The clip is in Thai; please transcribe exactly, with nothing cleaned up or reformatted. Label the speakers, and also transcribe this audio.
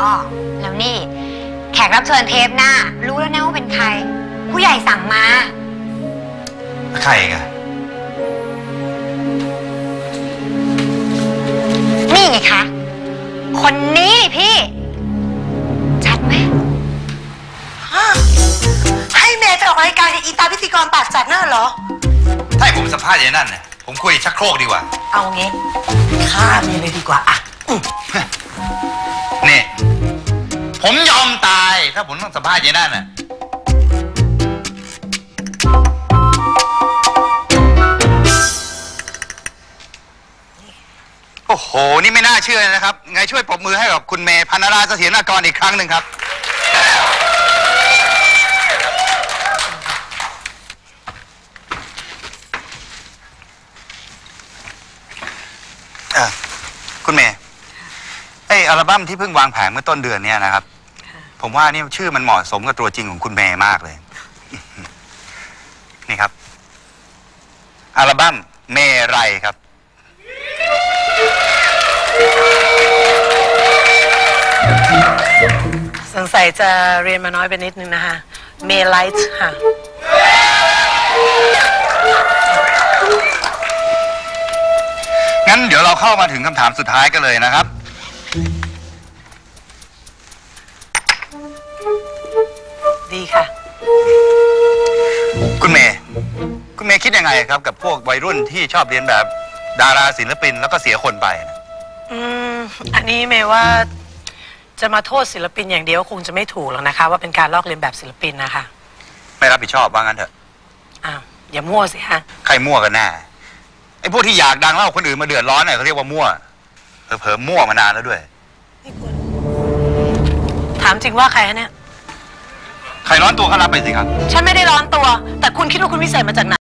Speaker 1: อ๋อแล้วนี่แขกรับเชิญเทปหน้ารู้แล้วนะว่าเป็นใครผู้ใหญ่สั่งมา
Speaker 2: ใครกัน
Speaker 1: นี่ไงคะคนนี้พี่ชัดไหม
Speaker 3: ให้เมย์ไปออกรายการกับอีตาพิธีกรปากจัดนั่นเหรอ
Speaker 2: ถ้าให้ผมสัมภาษณ์อย่างนั้นเนี่ยผมคุยชักโครกดีกว่า
Speaker 3: เอางี้ฆ่าเมย์เลยดีกว่าอ่ะ
Speaker 2: นี่ผมยอมตายถ้าผมต้องสัมภาษณ์อย่างนั้นน่ะโอ้โหนี่ไม่น่าเชื่อนะครับไงช่วยปรบมือให้กับคุณเมย์พันราเสถียรกรอีกครั้งหนึ่งครับคุณเมย์ไออัลบั้มที่เพิ่งวางแผงเมื่อต้นเดือนนี้นะครับผมว่านี่ชื่อมันเหมาะสมกับตัวจริงของคุณเมย์มากเลยนี่ครับอัลบั้มเมไรครับ
Speaker 3: สงสัยจะเรียนมาน้อยไปนิดนึงนะคะเมไลท์ค่ะ
Speaker 2: งั้นเดี๋ยวเราเข้ามาถึงคำถามสุดท้ายกันเลยนะครับ
Speaker 3: ดีค่ะ
Speaker 2: คุณเมย์คุณเมย์คิดยังไงครับกับพวกวัยรุ่นที่ชอบเรียนแบบดาราศิลปินแล้วก็เสียคนไป
Speaker 3: อืมอันนี้เมย์ว่าจะมาโทษศิลปินอย่างเดียวคงจะไม่ถูกหรอกนะคะว่าเป็นการลอกเลียนแบบศิลปินนะคะ
Speaker 2: ไม่รับผิดชอบว่างั้นเถอะ
Speaker 3: อ้าวอย่ามั่วสิฮะ
Speaker 2: ใครมั่วกันแน่ไอ้พวกที่อยากดังเล่าคนอื่นมาเดือดร้อนเนี่ยเขาเรียกว่ามั่วเผลอๆมั่วมานานแล้วด้วย
Speaker 3: นี่คุณถามจริงว่าใครฮะเนี่ย
Speaker 2: ใครร้อนตัวก็รับไปสิครับ
Speaker 3: ฉันไม่ได้ร้อนตัวแต่คุณคิดว่าคุณวิเศษมาจากไหน